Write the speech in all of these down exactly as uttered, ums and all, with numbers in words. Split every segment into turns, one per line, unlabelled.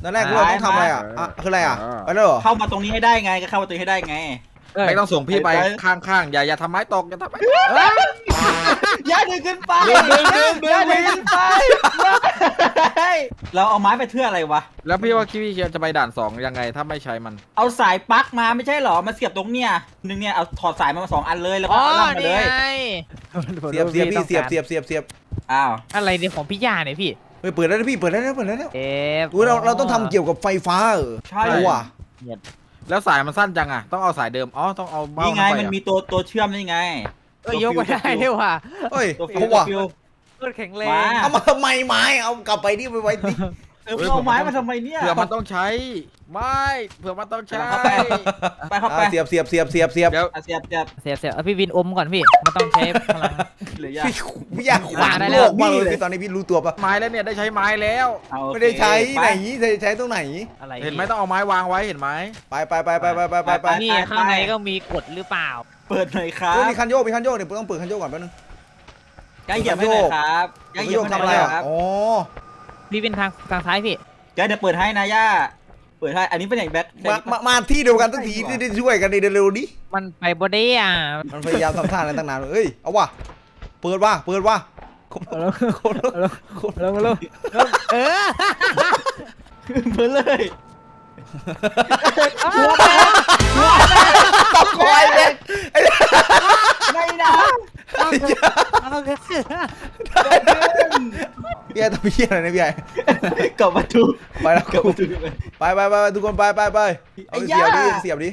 ตอนแรกเราต้องทำอะไรอ่ะอ่ะคืออะไรอ่ะไปแล้วเหรอ
เข้ามาตรงนี้ให้ได้ไงก็เข้ามาตรงนี้ให้ได้ไง
ไม่ต้องส่งพี่ไปข้างๆอย่าอย่าทำไม้ตกอย่าทำไม้ตก
อย่าดึงขึ้นไป
ดึงดึงดึงดึง
อย่าดึงขึ้นไปเราเอาไม้ไปเพื่ออะไรวะ
แล้วพี่ว่าพี่จะไปด่านสองยังไงถ้าไม่ใช้มัน
เอาสายปลั๊กมาไม่ใช่หรอมาเสียบตรงเนี้ยหนึ่งเนี่ยเอาถอดสายมาสองอันเลยแล้วก็
อ๋อ
เอาล่างมา
นี่
เลย
ไง
เสียบเสียบพี่เสียบเสียบเสียบเสียบ
อ้าว
อะไรเนี่ยของพี่ยาเนี่ยพี่
เฮ้ยเปิดแล้วนะพี่เปิดแล้วนะเปิดแล้วนะ
เอฟ
อุ้ยเราเราต้องทำเกี่ยวกับไฟฟ้าเออ
ใช่
เอาว่ะ
แล้วสายมันสั้นจังอ่ะต้องเอาสายเดิมอ๋อต้องเอาเบ้า
นี่ไง
เข้าป
มัน
อ่ะ
มีตัวตัวเชื่อมนี่ไง
เอ้ยยกไม่ได้ด้วยว่ะ
เฮ้ย
ตัวฟิ
เอา
วตัว
ว่ะ
ฟิว
รถแข็งแรง
ว้า
เอามาทำไมไม้เอากลับไปที่ไปไว้ที่
เออเอาไม้มาทำไมเนี่ย
เผื่อมันต้องใช้ไม่เผื่อมันต้องใช้
เข้าไป ไปเข้าไป
อ่ะเสียบเสียบเสียบเสียบเสียบ
เดี๋ยว
อ่ะเสียบเสียบ
เสียบเสียบเอาพี่วินอมก่อนพี่มันต้องใช้พลัง
หรือยา
พี่พี่อยากขวาง
ได้
โล
แล้ว
กมากเลยพี่ตอนนี้พี่รู้ตัวปะ
ไม้แล้วเนี่ยได้ใช้ไม้แล้ว
เอาโอเค
ไม่ได้ใช้
ป
ไหนใช้ใช้ตรงไหน
อะไร
เห็นไหมต้องเอาไม้วางไว้เห็นไหม
ไปไปไปไปไปไปไปไป
นี่ข้างในก็มีกฎหรือเปล่า
เปิดหน่อยครั
เฮ้ย
บ
มีคันโยกมีคันโยกเดี๋ยวต้องเปิดคันโยกก่อนแป๊บนึง
แกเหยียบให้หน่อยครับแก
คัน
เหยี
โย
ยบ
ก
ให้ห
ทำ
น่
อะ
อย
ไรอ่ะ
ครับ
อ๋อ
พี่วินทางทางซ้ายพี่
แกเดี๋ยวเปิดให้นะย่าเปิดให้อันนี้เป็นอย่างแบ็ค
มามามาที่เดียวกันตั้งทีที่ได้ช่วยกันในเร็วๆนี้
มันไปบอดี้อ่ะ
มันพยายามทำท่าอะไรตั้งนานเลยเอ้ยเอาว่ะเปิดว่ะเปิดว่ะคนละคนละคนละ
ลงมาลงเออ
เปิดเลย
ตบคอยเลย
ไม่นะ
เอาเถอะ
พี่ไอ้ทำเพี้ยอะไรนะพี่ไอ้
กลับมาดู
ไปแล้ว
กลับ
กู
มาดู
ไปไปไปทุกคนไปไปไปเอาเสียบดิเสียบดิ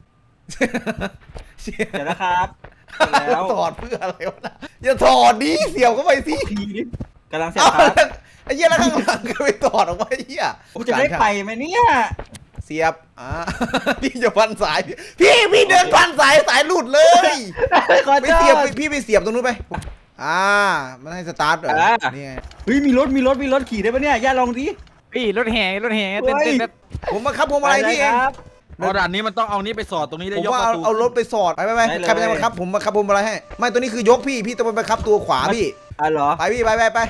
เดี๋ยวนะครับแล้ว
ถอดเพื่ออะไรวะนะอย่าถอดดิเสียบเข้าไปสิ
ทีนี้กำลังเสียบ
เอา
ครับ
ไอ้เหี้ยแล้วข้างหลังก็ไปถอดออกมาไอ้เหี้ย
กูจะได้ไปไหมเนี่ย
เสียบอ่าพี่จะพันสายพี่พี่เดินพันสายสายหลุดเลย
ขอ
ไป
โท
เสียบ
ษ
พี่ไปเสียบตรงนู้นไปอ่ามันให้สตาร์ทเหรอ
อ่า
นี่ไง
เฮ้ยมีรถมีรถมีรถขี่ได้ปะเนี่ยย่าลองดิ
พี่รถแห่รถแห่เต้นเต้นแบบ
ผมมาครับผมอะไรพี่เอง
ครับ
อ๋อด่านนี้มันต้องเอานี้ไปสอดตรงนี้ได้
ผม
ยก
ว่า
ป
เอา
ระตู
เอารถไปสอดไปไปไป
ได้เลย
ใครเป็นมาครับผมมาครับผมอะไรให้ไม่ตัวนี้คือยกพี่พี่ต้องไปครับตัวขวาพี่
อ่ะเหรอ
ไปพี่ไปไปไป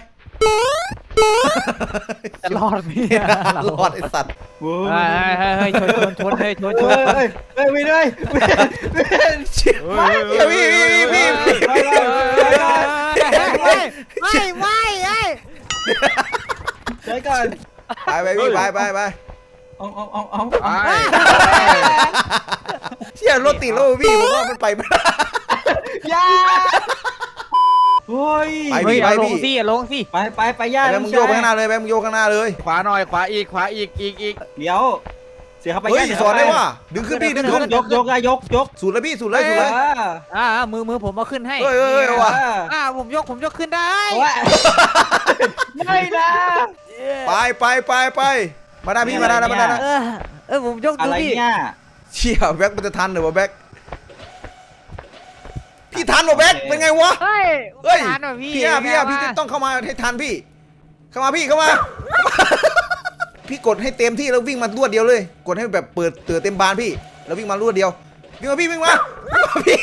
จะรอดพี่
รอดไอ้สัตว์
โว้
เฮ้ย
ย
เฮ้ยเฮ้ยชนชนชนเฮ้ยชนช
เฮ้
น
ยเฮ้ยเฮ้ยวินเฮ้ยวินวิน
เชี่ยพี่พี่พี่พี่
ไปไปไปไป
ไม่ไม่ไอ้
เดี๋ยวก่อน
ไปไปพี่ไปไปไป
เอาเอาเอาเอา
ไป
เชี่ยรถติดแล้วพี่ผมว่ามันไปไม่ได้
ย่าเฮ้ย
ไป
เฮ้
พี่
ย
ไป
เอาลง
พี่
สิลงสิ
ไปไปไปย่า
ไปมึงโยกไปข้างหน้าเลยไปมึงโยกข้างหน้าเลย
ขวาหน่อยขวาอีกขวาอีกขวาอีกอีก
เดี๋ยวเสียเข้าไป
เฮ้ย
ย่า
สอนได้ว่าดึงขึ้นพี่ดึงขึ้น
ยกยกอะยกยก
สูดเลยพี่สูดเลยสูดเลย
อ่ามือมือผมเอาขึ้นให้
เฮ้ยเฮ้ยเฮ้ยว่ะ
อ่าผมยกผมยกขึ้นได้
ว่าไม่นะ
ไปไปไปไปมาได้พี่มาได้แล้วมาได้แล้ว
เออเออผมยก
อะ
ดู
ไร
พี่
เนี่ย
เชี่ยแบ็คมันจะทันเหรอวะแบ็คพี่ทันเหรอแบ็คเป็นไงวะ
เฮ้ย
เฮ้ย
ทานว่ะพี่
พี่อะพี่อะพี่ต้องเข้ามาให้ทันพี่ เข้ามาพี่เข้ามา พี่กดให้เต็มที่แล้ววิ่งมารวดเดียวเลย กดให้แบบเปิดเตือเต็มบานพี่ แล้ววิ่งมารวดเดียววิ่งมาพี่วิ่งมาพี่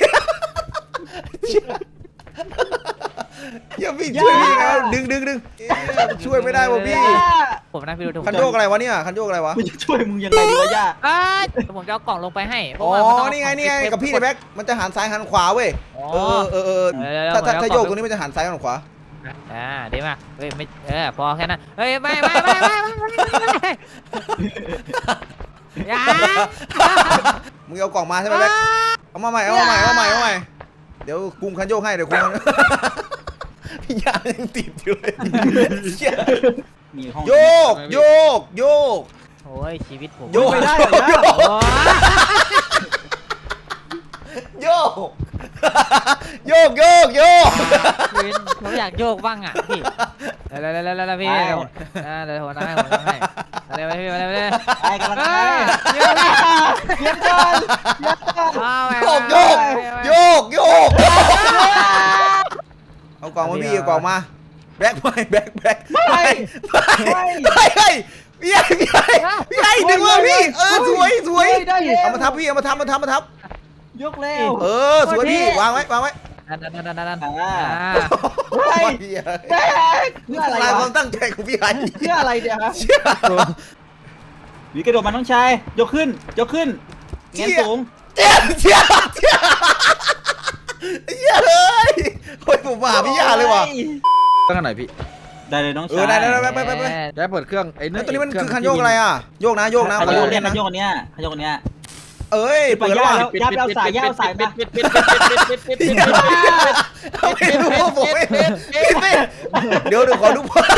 อย่าพี่ช่วยพี่นะดึงดึงดึงช่วยไม่ได้วะพี่
ผมนะพี่ดูถูก
คันโยกอะไรวะเนี่ยคันโยกอะไรวะ
กูจะช่วยมึงยังไงดีวะย่า
อ่าผมจะเอากล่องลงไปให้เพ
อ๋
ราะว่ามั
อ
ต้อง
นี่ไงนี่ไง
เา
กับพี่ในแบ็คมันจะหันซ้ายหันขวาเว้ย
อ๋อ
เออเออเออ
เดี๋ยวๆ
ถ้าถ้า
ผมเอา
ถ้าโยก
กล่อง
ตรงนี้มันจะหันซ้ายหันขวา
อ่าดีมากเฮ้ยไม่เออพอแค่นั้นเฮ้ยไม่ไม่ไม่ไม่ไม่ไม่อย่า
มึงเอากล่องมาใช่ไหมแบ็คเอามาใหม่เอามาใหม่เอามาใหม่เอามาใหม่เดี๋ยวกุมคันโยกให้เดี๋ยวกุมพี่ยายังติดอยู่เลยเชี่ย
มีห้อง
โยกโยกโยก
โอ้ยชีวิตผม
โยก
ไม่ได้เหรอ
โย
ย่าก
โอ้ย
โยกโยกโยกโยก
วินผมอยากโยกบ้างอ่ะพี่แล้วแล้วแล้วแล้วพี่เดี๋ยวอ่าเดี๋ยวผมทำให้ผมทำให้มาเลยพี่มาเลยมาเลย
ไปกันละ
เฮ้ย
เดี๋ยวก่อนเดี๋ยวก่อนเดี๋ยวก่อน
เอาไป
โยกโยกโยกโยกเอากล่องมาพี่เอากล่องมาแบ็คไม่แบ็คแบ็คไม่ไม่ไม่ไม่พี่ใหญ่พี่ใหญ่พี่ใหญ่ดึงมาพี่เออสวยสวย
ได้แล้ว
เอามาทับพี่เอามาทับมาทับมาทับ
ยกแล้ว
เออสวยพี่วางไว้วางไว้
นั่นนั่นนั่นนั่นนั่น
อ่า
อ่า
เฮ้ย
พี่ใหญ่
แบ๊กเพื่ออะไร
ลายควาว
ะ
มตั้งใจของพี่ใหญ่
เพื่ออะไรเดี๋ยวครับ
เชี่ย
วีกระโดดมาน้องชายยกขึ้นยกขึ้นเงี้ยสูง
เจี๊ยบเจี๊ยบเจี๊ยบเหี้ยเฮ้ยโอ้ยผมมาหาพี่ยาเลยว่ะ
ตั้งกันหน่อยพี่
ได้เลยน้อง
เอ
ชา
อย ได้ได้ได้ไปไปไป
ได้เปิดเครื่องไอ้
เฮ้
นี่
ยตัวนี้มันคือคันโยกอะไรอ่ะโยกนะโยกนะ
ข
ขอ
โย
โย
ก
ก
เนี่
เนี่ย ย
ข
นะ
โยกเนี้ยขโยกเนี้ย
เอ้ย
ไป
เปิดแล้ว
ย่า
ว่ะ
แล้ว ยับเอาสายยับเอาสายมา
ปิดปิดปิดปิดปิดปิดปิดปิดปิดปิด
ไม่รู้ว่าผมไม่ปิดปิดเดี๋ยวเดี๋ยวขอดูพอ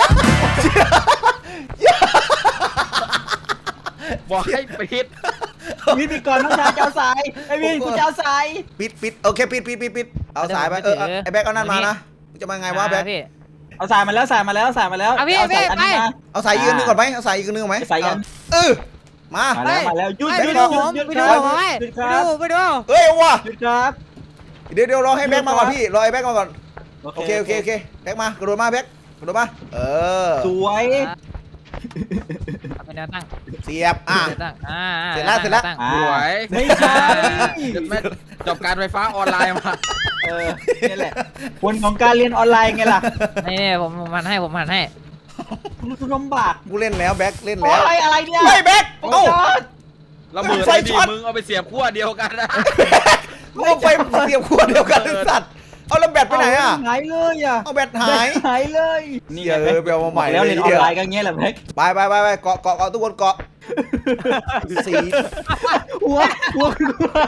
บอกให้ปิด
วิธีก่อนน้องชายจะเอาสายไอ้วินกูจะเอาสาย
ปิดปิดโอเคปิดปิดปิดปิดเอาสายไปเออไอ้แบ็คเอานั่นมานะจะมาไงวะแบ็ค
พี่
เอาสายมาแล้วสายมาแล้วสายมาแล้ว
เอาพี่
เอาสาย
พี่
อันนี้
ไป
มา
เอาสายยืนนึงก่อนไหมเอาสายยืนนึงก่อนไหม
สายยัน
เออมา
มาแล้วมาแล้วหยุด
ไป
หยุด
ดู
ห
ผ
ยุด
ม
หยุด
ไป
ค
ดู
รับ
ผม
หยุดค
ไป
รับ
ดูไปดู
เอ้ยว่ะ
หยุดครับ
เดี๋ยวเดี๋ยวรอให้แบ็คมาก่อนพี่รอไอ้แบ็คมาก่อน
โอ
โอ
เค
เคโอเคโอเคแบ็คมากระโดดมาแบ็คกระโดดมาเออ
สวย
เป็นแนวตั้ง
เสียบอ่ะ
แนวตั้งอ่า
เสร็จแล้วเสร็จแล้ว
ตั้ง
อ่า
สวย
ไม่ใช่
แม่จบการไฟฟ้าออนไลน์มา
เออนี่แหละผลของการเรียนออนไลน์ไงล่ะ
นี่นี่ผมผมหันให้ผมหันให้
คุณลำบาก
กูเล่นแล้วแบ็คเล่น
โอ้
แล้ว
ยอะไรเนี่ย
ไม่แบ็ค
โอ้
เอ้า
ย
ระเบิด
ไฟ
ไอ้ดี
ช็อต
มึงเอาไปเสียบขั้วเดียวกันนะ
มึงเอาไฟเสียบขวดเดียวกันไอ้สัตว์เอาแล้วแบตไปไหนอ่ะ
หายเลยอ่ะ
เอาแบตหาย
หายเลย
เหี้ยเออไปเอามาใหม่
แล้ว
เลย
เรียนอ
เหี้
อย นไลน์ก็เงี้ยแหละแม็ก
ไปไปไปไปเกาะเกาะเกาะทุกคนเกาะสี
หัวหัว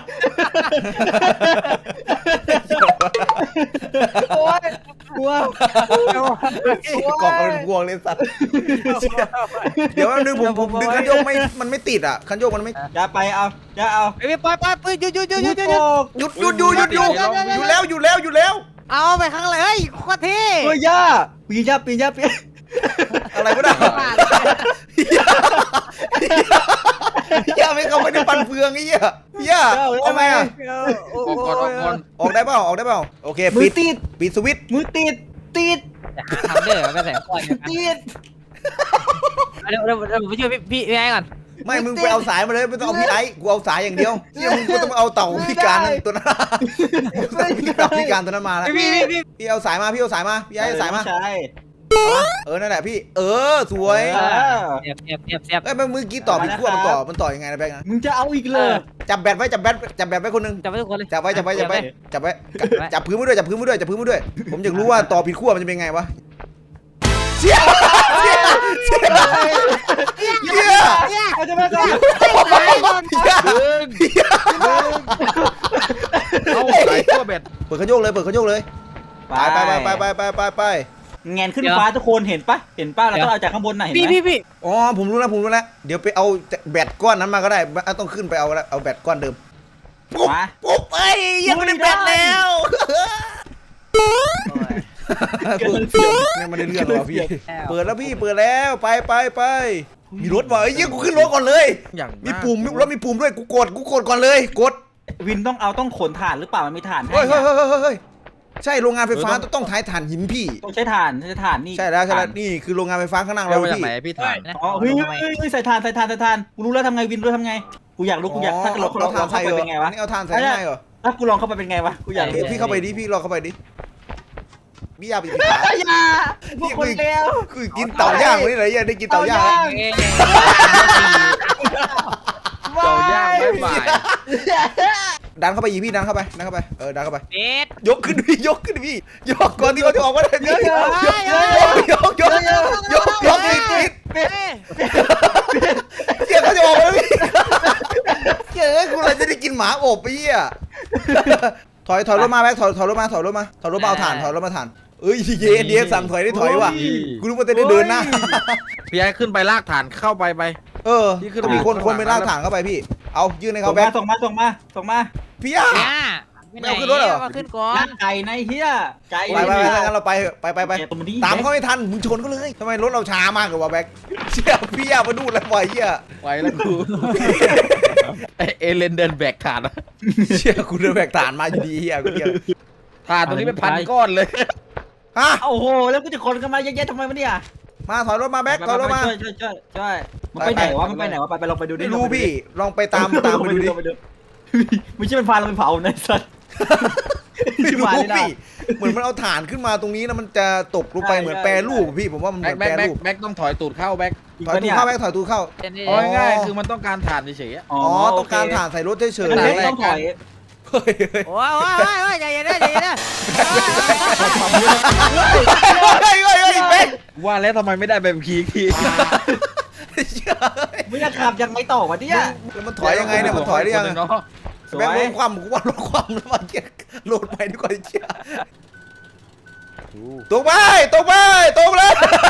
โอ้ยหัว
เกาะกันเป็นพวงเลยสัตว์เดี๋ยวแป๊บนึงผมผมดึงคันโยกไม่มันไม่ติดอ่ะคันโยกมันไม่
อย่าไปเอาอย่าเอา
ไอ้พี่ปล่อยปล่อยปืนหยุดหยุดหยุดหยุดหยุด
หยุดหยุดหยุดหยุดหยุดหยุดหยุดแล้วหยุดแล้วหยุดแล้ว
เอาไปข้างเลยเฮ้ยโคตรเท่
เฮ้ยย่าปีนย่าปีนย่าปีน
อะไรก็ได้ย่าไม่เขาไม่ได้ปันเฟืองไอ้เหี้ยย่าเอาไงอ่ะ
ออกก่อนออกก่อน
ออกได้เปล่าออกได้เปล่าโอเค
มื
ปิ
อ
ด
ติด
ปิดสวิตช์
มือติดติด
ทำเด้อก็ใส่ก่อน
ติด
เดี๋ยวเดี๋ยวเดี๋ยวผมไปช่วยพี่พี่พี่ไอ้ก่อน
ไม่มึงไปเอาสายมาเลยไม่ต้องเอาพี่ไอ้กูเอาสายอย่างเดียวเหี้ยมึงก็ต้องเอาเต่าพิการนั่นตัวนั้นพี่เต่าพิการตัวนั้นมาแล้ว
พี่พี่พี่
พี่เอาสายมาพี่เอาสายมาพี่ไอ้เอาสายมา
ใช่
เออนั่นแหละพี่เออสวย
เออ
เสียบเสียบเสียบเสียบ
เอ้ยมันมือกี้ต่อผิดขั้วมันต่อมันต่อยังไงนะแบงค์นะ
มึงจะเอาอีกเลย
จับแบตไว้จับแบตจับแบตไว้คนหนึง
จับไว้ทุกคนเลย
จับไว้จับไว้จับไว้จับไว้จับพื้นไว้ด้วยจับพื้นไว้ด้วยจับพื้นไว้ด้วย ผมอยากรู้ว่าต่อผิดขั้วมันจะเป็นไงวะเชี่ยเชี่ยเชี่ยเชี่ย
เอาจะมาก่อน
ดึงเอาสายขั้วเบ็ด
เปิดขยโยกเลยเปิดขยโยกเลยไปไปไปไปไปไปไปไป
แงนขึ้นฟ้าทุกคนเห็นปะเห็นปะเราต้องเอาจากข้างบนน่ะเห็น
พี่
ไหม
พี่พี่
อ๋อผมรู้แล้วผมรู้แล้วเดี๋ยวไปเอาแบตก้อนนั้นมาก็ได้ต้องขึ้นไปเอาแล้วเอาแบตก้อนเดิมปุ๊บ
มา
ปุ๊บเอ้ยยังไม่ได้แบตแล้วเนี่ยมันได้เรื่องแล้วพี่เปิดแล้วพี่เปิดแล้วไปไปไปมีรถว่ะเอ้ยกูขึ้นรถก่อนเลย
อย่าง
มีปุ่มแล้วมีปุ่มด้วยกูกดกูกดก่อนเลยกด
วินต้องเอาต้องขนถ่านหรือเปล่ามันมีถ่านให้
เฮ้ยเฮ้ยเฮ้ยเฮ้ยเฮ้ยใช่โรงงานไฟฟ้าต้องท้ายถ่านหินพี่
ต้องใช้ถ่านใช้ถ่านนี่
ใช่แล้วใช่แล้วนี่คือโรงงานไฟฟ้าข้างหน้า
เรา
เรา
มาจาก
พี่
ไหนพี่ถ่าย
อ๋อเฮ้ยเฮ้ยใส่ถ่านใส่ถ่านใส่ถ่านกูรู้แล้วทำไงวินรู้ทำไงกูอยากรู้กูอยากถ้าเรา
เอา
เรา
ถ่าน
เข้า
ใส่
ไป
เหรอ
เป็นไงวะ
นี่เอาถ่านใส่ง่ายเหรอ
ถ้ากูลองเข้าไปเป็นไงวะกูอยากรู้
พี่เข้าไปดิพี่ลองเข้าไปดิพี่ยาไปปิดฝา
อย่าพวกคนเลว
คือกินเต่าย่างวันนี้เลยยังได้กินเต่าย่าง
เต่าย่างไม่บ่าย
ดันเข้าไปอีพี่ดันเข้าไปดันเข้าไปเออดันเข้าไป
เบ็ด
ยกขึ้นพี่ยกขึ้นพี่ยกก่อนที่เขาจะออกมาได้พี่ยกยกยกยกยกยกปิดปิด
เบ็ด
เสียเขาจะออกมาแล้วพี่เจ๋อกูเลยจะได้กินหมาอบไปเหี้ยถอยถอยรถมาแบ็คถอยถอยรถมาถอยรถมาถอยรถมาเอาถ่านถอยรถมาถ่านเอ้ยเย็นเย็นสั่งถอยได้ถอยว่ะกูรู้ว่าจะได้เดินหน้า
พี่ไอ้ขึ้นไปลากฐานเข้าไปไป
เออต้องมีคนคนไปลากถ่านเข้าไปพี่ เอายื่นให้
ส่
เขา
ง
แบ็
มา
ค
ส่งมาส่งมาส่งมา
พี่ย่า
เนี่ย
ไม่เอาขึ้นรถเหรอ
มาขึ้นก่อน
ร่างไก่ในเฮียไก่
ไปไปไปงั้นเราไปไปไปไป
ตรงนี้
ตามเขาไม่ทันมึงชนเขาเลยทำไมรถเราช้ามากกว่าแบ็คเชี่ยพี่ย่ามาดูแล้ววะเหี้ย
ไปแล้วกูเอเลนเดินแบกฐาน
เชี่ยกูเดินแบกฐานมาอยู่ดีเหี้ยกูเดียว
ฐานตรงนี้เป็นพันก้อนเลย
ฮะ
โอ้โหแล้วกูจะคนกันมาเยอะแยะทำไมวะเนี่ย
มาถอยรถมาแบ็คถอยรถมา
ช่วยช่วยช่วยช่วยมันไปไหนวะมันไปไหนวะไปไปลองไปดูดิ
ไม่รู้พี่ลองไปตามตามไปดูดิ
ไม่ใช่มันพาเราไปเผาในสัตว์
ไม่รู้พี่เหมือนมันเอาฐานขึ้นมาตรงนี้แล้วมันจะตกลงไปเหมือนแปรรูปพี่ผมว่ามันเห
แบ็
มื
ค
อน
แบ็
แป
ค
ร
แบ็ค
รูป
แบ็คต้องถอยตูดเข้าแบ็ค
จริง
ถอย
ปะ
ตู
เนี่ย
เข้าแม็กถอยตูเข้า
เต้นนี่
อ๋
เอาง่ายๆคือมันต้องการถ่านเฉยๆอะ
อ๋
อ๋
อ
อ
โ
ต้องการถ่านใส่รถเฉย
อัน
ๆ
นี้
เฮ้ย
ต้องถอย
เฮ้ย
โอ้ยโอ้ยโอ้ยโอ้ยใจเย็นนะใจเย็นนะ
เฮ้ยเฮ้ยเฮ้ยเป๊ก
ว่าแล้วทำไมไม่ได้แบบคีอีกที
เชื่อ
ไม่จะขับยังไม่ต่อวะเนี่ย
แล้วมันถอยยังไงเนี่ยมันถอยได้ยัง
คนหนึ่เนาะ
สว
แบงค์ล
ย
ดความกูว่ารถความแล้วมันเจ๊โหลดไปดีกว่าเชี่ยตรงไปตรงไปตรงเลย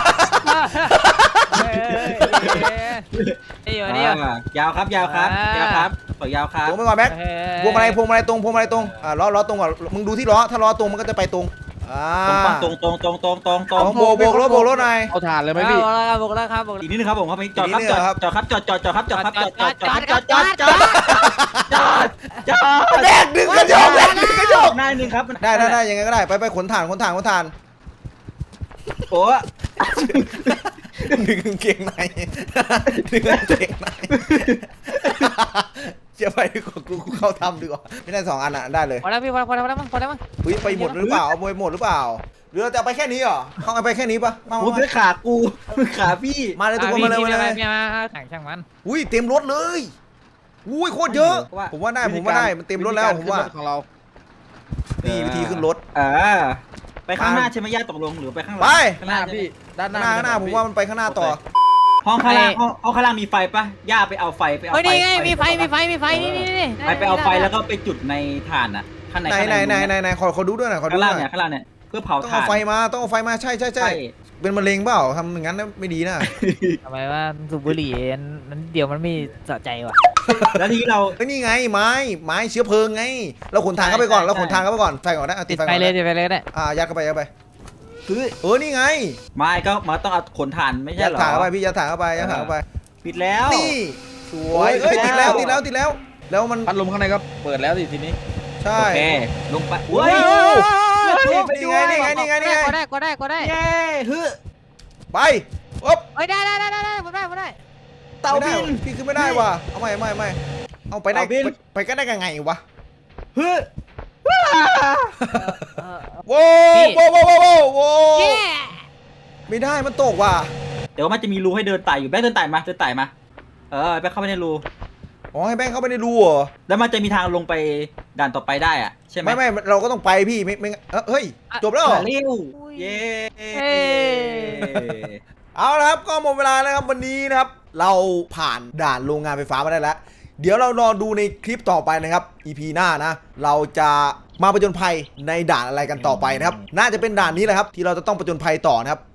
เฮ้ยนี่อยู่นี่อยู่
อ่ายาวครับยาวครับยาวครับต่อยาวครับ
ตรงไปก่อนแม็กพวงมาลัยพวงมาลัยตรงพวงมาลัยตรงอ่าล้อล้อตรงก่อนมึงดูที่ล้อถ้าล้อตรงมันก็จะไปตรงอ่า
ตรงตรงตรงตรงตรงตรง
ของโบกโบกรถโบกรถหน่อย
เอาถ่านเลยไหม
ไม่
พี่
บอกแล้วครับบอกแล้วครับบอกแล้ว
อีกนิดนึงครับผมครับจอด
อีกนิ
ครับ
ดนึง
จอด
ครับ
จอดครับจอดจอดจอดครับจอดครับจอดจอดจ
จ
อ
อ
ด
ด
จ
จ
อ
อ
ด
ด
จ
จ
อ
อ
ด
ด
จอด
แดกดึงกระโยกแดกดึงกระโยก
ได้นึงครับ
ได้ได้ได้ยังไงก็ได้ไปไปขนถ่านขนถ่านขนถ่าน
โอ้
ดึงกางเกงในดึงกางเกงในเชื่อไปดีกว่ากูกูเข้าทำดีกว่าไม่ได้สองอันอ่ะได้เลย
พอแล้วพี่พอแล้วพอแล้วพอแล้วมั้งพอแล้วมั้ง
อุ้ยไปหมดหรือเปล่าเอาไปหมดหรือเปล่าหรือเราจะเอาไปแค่นี้เหรอเขาเอาไปแค่นี้ปะมา
โห
มา
เพื่อขากูขาพี่
มาเลยทุกคนมาเลยมาเลย
พี่มาแข่งช่างมัน
อุ้ยเต็มรถเลยอุ้ยโคตรเยอะ ผมว่าได้ผมว่าได้มันเต็มรถแล้วผมว่า
วิธีกรขึ้นรถของเรา
นี่วิธีขึ้นรถ
อ่าไปข้างหน้าใช่ไหมย่าตกลงหรือไปข้างหลั
ไป
ข้าง
ห
ห
น้า
น้า
พี่ ด้านห
ห
น้า
น้าหน้าผมว่ามันไปข้างหน้าต่อ
ห้องข้างล่างห้องห้องข้างล่างมีไฟปะย่าไปเอาไฟไปเอา
เฮ้ย
ไฟ
นี่ไงมีไฟมีไฟมีไฟนี่นี่นี่
ไปไปเอาไฟแล้วก็ไปจุดในถ่านอ่ะข้างใน
ไหนไหนไหนไหนไหนขอขอดูด้วยหน่อยขอดู
ข้าง
ห
ล่าง
น่อย
เนี่ยข้างล่างเนี่ยเพื่อเผา
ต้อง
ถ่า
เอา
น
ไฟมาต้องเอาไฟมาใช่ใช่ใช่
ใช่
เป็นมะเร็งเปล่าทำอย่างนั้นนะไม่ดีนะ
ทำไมว่าสูบบุหรี่นั้นเดี๋ยวมันไม่สะใจว่ะ
แล้วทีนี้เรา
เฮ้ยนี่ไงไม้ไม้เชื้อเพลิงไง เราขนทางเข้าไปก่อน
ใช่
เราขนทาง
ใช่
เข้าไปก่อนไฟก่อนนะเอาติ
ติ
ด
ด
ไฟ
ไฟ
ก่อน
เลย
นะ
ติดไฟเลยก็ได้
อ่ายัดเข้าไปยัดเข้าไป
คือ
เออนี่ไง
ไม่ก็มาต้องเอาขนถ่านไม่ใช่
ยัด
เหรอ
ถางเข้าไปพี่ยัดถางเข้าไปยัดถางเข้าไป
ปิดแล้ว
นี่สวย
โอ้
เอ้ย
ย
ติดแล้ว
แล้ว
ติดแล้วติดแล้ว แล้วมัน
พัดลมข้างในก็เปิดแล้วสิทีนี้
ใช่
โอเคลงไป
โอ้
เฮ้ย
นี่ไงนี่ไงนี่ไงนี่ไง
ก็ได้ก็ได้ก็ได้
เย้ฮึ
ไปอ๊บ
เฮ้ยได้ได้ได้ได้ผมได้ผมได้
เต่า
ไม่ได้
บิน
พี่ขึ้นไม่ได้ว่ะเอาไม่ไม่ไม่เอาไปได้
เต่าบิน
ไปไปก็ได้ยังไงวะ
ฮึ
โว้
พี่
โว้โว้โว้โว้โว้
เย้
ไม่ได้มันตกว่ะ
เดี๋ยวมันจะมีรูให้เดินไต่อยู่แม่เดินไต่มาเดินไต่มาเออไปเข้าไปในรู
อ๋อให้แบงค์เข้าไปในรูเหรอ
แล้วมันจะมีทางลงไปด่านต่อไปได้อะใช่ไหม
ไม่ไม่เราก็ต้องไปพี่ไม่ไม่เอ้อเฮ้ยจบแล้วเหรอ
เร็วเย้
เฮ้ย
เอาละครับก็หมดเวลาแล้วครับวันนี้นะครับเราผ่านด่านโรงงานไฟฟ้ามาได้แล้ว เดี๋ยวเรารอดูในคลิปต่อไปนะครับ อี พี หน้านะ เราจะมาประจนภัยในด่านอะไรกันต่อไปนะครับ น่าจะเป็นด่านนี้แหละครับที่เราจะต้องประจนภัยต่อนะครับ